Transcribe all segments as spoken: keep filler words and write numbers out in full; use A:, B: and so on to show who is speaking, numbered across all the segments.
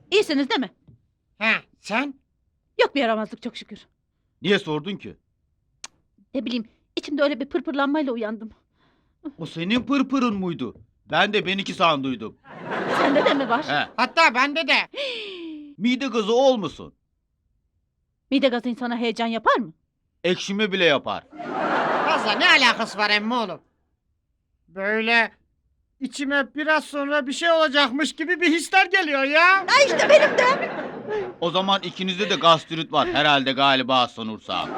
A: İyisiniz değil mi?
B: He, sen?
A: Yok bir yaramazlık çok şükür.
C: Niye sordun ki?
A: Ne bileyim içimde öyle bir pırpırlanmayla uyandım.
C: O senin pırpırın muydu? Ben de benimki sanduydum.
A: Sende de mi var?
C: He.
B: Hatta bende de.
C: Mide gazı olmasın.
A: Mide gazı insana heyecan yapar mı?
C: Ekşime bile yapar.
B: Fazla ne alakası var emmi oğlum? Böyle içime biraz sonra bir şey olacakmış gibi bir hisler geliyor ya.
A: Ha işte benim de.
C: O zaman ikinizde de gastrit var. Herhalde galiba sanırsam.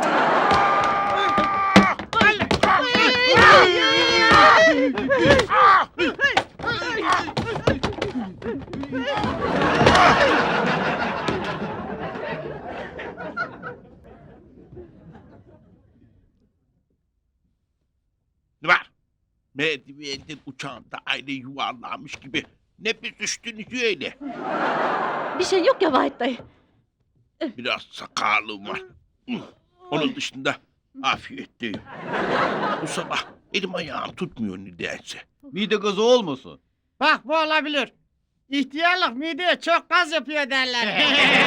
D: Var. Merdivenden uçağında aile yuvarlanmış gibi. Ne büzüştünüz öyle.
A: Bir şey yok ya Vahit dayı.
D: Biraz sakarlığım var. Onun dışında afiyetteyim. Bu sabah elim ayağım tutmuyor nedense.
C: Mide gazı olmasın.
B: Bak bu olabilir. İhtiyarlık mideye çok gaz yapıyor derler.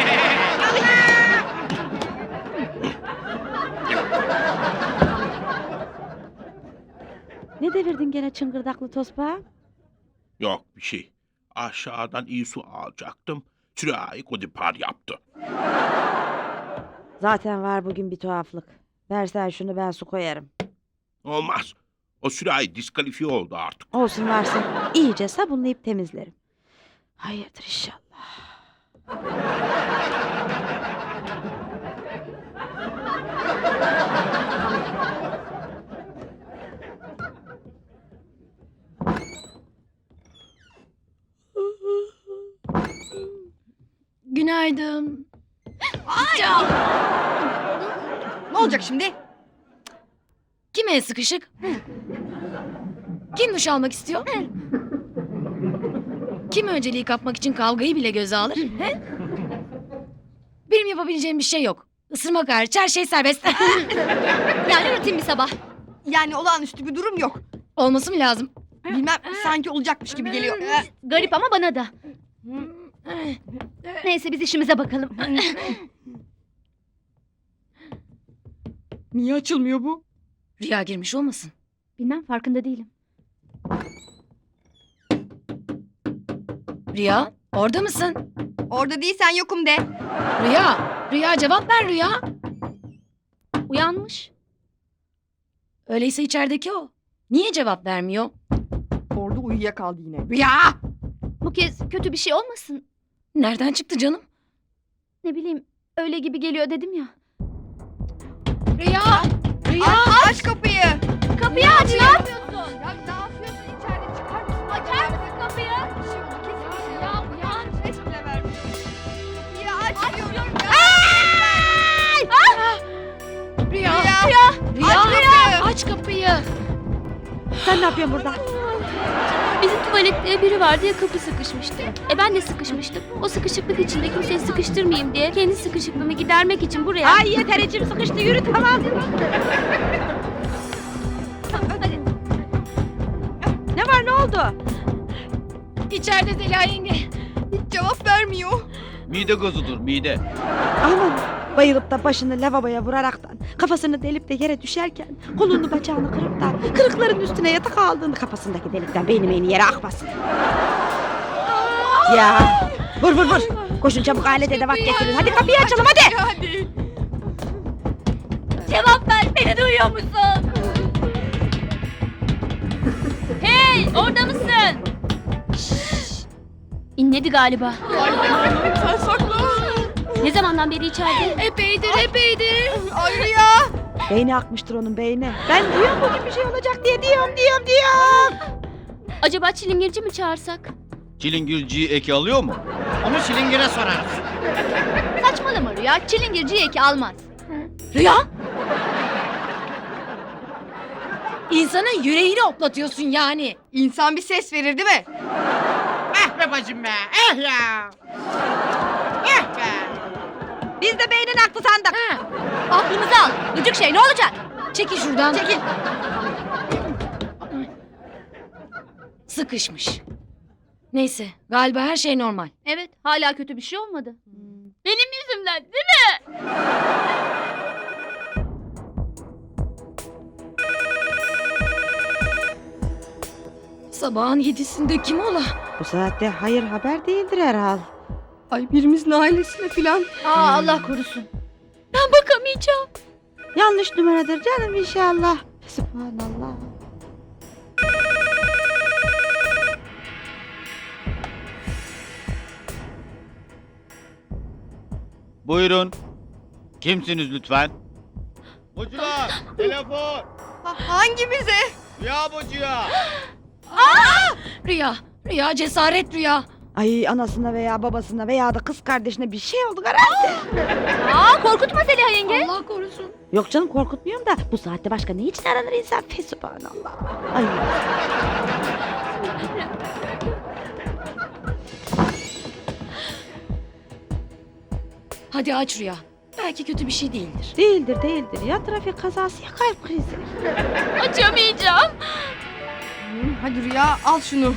A: Ne devirdin gene çıngırdaklı tosbağa?
D: Yok bir şey. Aşağıdan iyi su alacaktım. Sürahi kodipar yaptı.
E: Zaten var bugün bir tuhaflık. Versen şunu ben su koyarım.
D: Olmaz. O sürahi diskalifiye oldu artık.
E: Olsun varsın. İyice sabunlayıp temizlerim. Hayırdır inşallah.
F: Günaydın.
G: Ne olacak şimdi?
F: Kim el sıkışık? Kim duş almak istiyor? Kim önceliği kapmak için kavgayı bile göze alır? He? Benim yapabileceğim bir şey yok. Isırmak hariç her şey serbest.
G: Yani rutin bir sabah. Yani olağanüstü bir durum yok.
F: Olması mı lazım?
G: Bilmem sanki olacakmış gibi geliyor.
A: Garip ama bana da. Neyse biz işimize bakalım.
G: Niye açılmıyor bu?
F: Rüya girmiş olmasın?
A: Bilmem farkında değilim.
F: Rüya, orada mısın?
G: Orada değilsen yokum de.
F: Rüya, Rüya cevap ver Rüya.
A: Uyanmış.
F: Öyleyse içerideki o. Niye cevap vermiyor?
G: Orada uyuyakaldı yine.
F: Rüya!
A: Bu kez kötü bir şey olmasın.
F: Nereden çıktı canım?
A: Ne bileyim öyle gibi geliyor dedim ya.
F: Rüya! Rüya!
G: Aç, aç kapıyı.
A: Kapıyı aç ne yapıyorsun?
G: Ya ne yapıyorsun içeride çıkar mısın?
A: Açar mısın kapıyı?
G: Bir şey oldu kesin bir şey
A: Ya
G: oldu.
A: uyan.
G: Ses bile vermiyor. Kapıyı aç diyorum.
F: Rüya!
G: Rüya.
F: Rüya!
G: Aç kapıyı.
F: Aç kapıyı!
E: Sen ne yapıyorsun burada?
H: Bizim tuvalette biri vardı ya kapı sıkışmıştı. E ben de sıkışmıştım. O sıkışıklık içinde kimseyi sıkıştırmayayım diye kendi sıkışıklığımı gidermek için buraya...
A: Ay yeter içim sıkıştı yürü tamam.
E: Ne var ne oldu?
F: İçeride Zeliha yenge.
G: Hiç cevap vermiyor.
C: Mide gazıdır mide.
E: Aman bayılıp da başını lavaboya vuraraktan kafasını delip de yere düşerken kolunu bacağını kırıp da kırıkların üstüne yatak aldığında kafasındaki delikten beyni beyni yere akmasın. Ya vur vur vur. Koşun çabuk alet edevat getirin. Hadi kapıyı açalım hadi.
G: Hadi.
H: Cevap ver, beni duyuyor musun? Hey, orada mısın? Şşş. İnledi galiba.
G: Sen sakla.
H: Ne zamandan beri içeride?
F: Epeydir, epeydir.
G: Ay Rüya.
E: Beyni akmıştır onun beyni. Ben diyorum bugün bir şey olacak diye diyorum diyorum diyorum.
H: Acaba çilingirci mi çağırsak?
C: Çilingirciyi eki alıyor mu?
B: Onu çilingire sorarız.
H: Saçmalama Rüya, çilingirci eki almaz.
F: Rüya! İnsanın yüreğini oplatıyorsun yani.
G: İnsan bir ses verir değil mi?
B: Eh be bacım be. Eh ya. Eh be.
A: Biz de beynin aklı sandık.
F: Ha,
H: Aklımızı al, gıcık şey ne olacak?
F: çekil şuradan.
A: Çekil.
F: Sıkışmış. Neyse galiba her şey normal.
A: Evet, hala kötü bir şey olmadı.
H: Benim yüzümden değil mi?
F: Sabahın yedisinde kim ola?
E: Bu saatte hayır haber değildir herhal.
G: Ay birimizin ailesine filan.
A: Aa Allah korusun.
H: Ben bakamayacağım.
E: Yanlış numaradır canım inşallah. Subhanallah.
C: Buyurun. Kimsiniz lütfen? Bucular, telefon.
G: Ha, hangimize?
C: Ya bucuya.
F: Rüya, Rüya cesaret Rüya.
E: Ay anasına veya babasına veya da kız kardeşine bir şey oldu herhalde.
A: Aa korkutma Zeliha yenge.
F: Allah korusun.
E: Yok canım korkutmuyorum da bu saatte başka ne için aranır insan? Fe subhanallah. Ay.
F: Hadi aç Rüya. Belki kötü bir şey değildir.
E: Değildir değildir ya trafik kazası ya kalp krizi.
H: Açamayacağım.
G: Hı, hadi Rüya al şunu.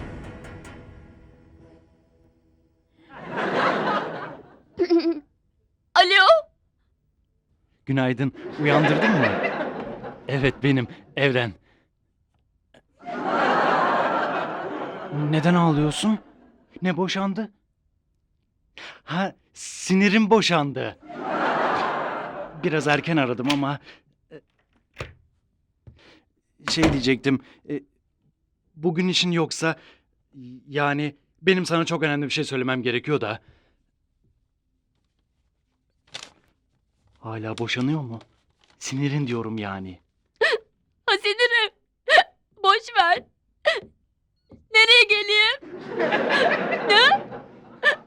H: Alo.
I: Günaydın. Uyandırdın mı? Evet benim. Evren. Neden ağlıyorsun? Ne boşandı? Ha, sinirim boşandı. Biraz erken aradım ama... e, Şey diyecektim. e, Bugün işin yoksa... Yani benim sana çok önemli bir şey söylemem gerekiyor da... Hala boşanıyor mu? Sinirin diyorum yani.
H: Ha sinirim. Boş ver. Nereye geleyim?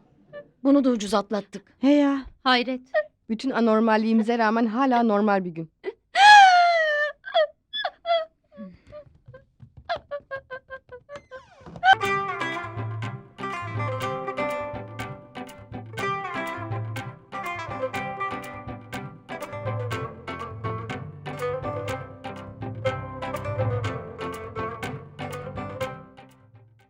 F: Bunu da ucuz atlattık.
E: He ya.
A: Hayret.
G: Bütün anormalliğimize rağmen hala normal bir gün.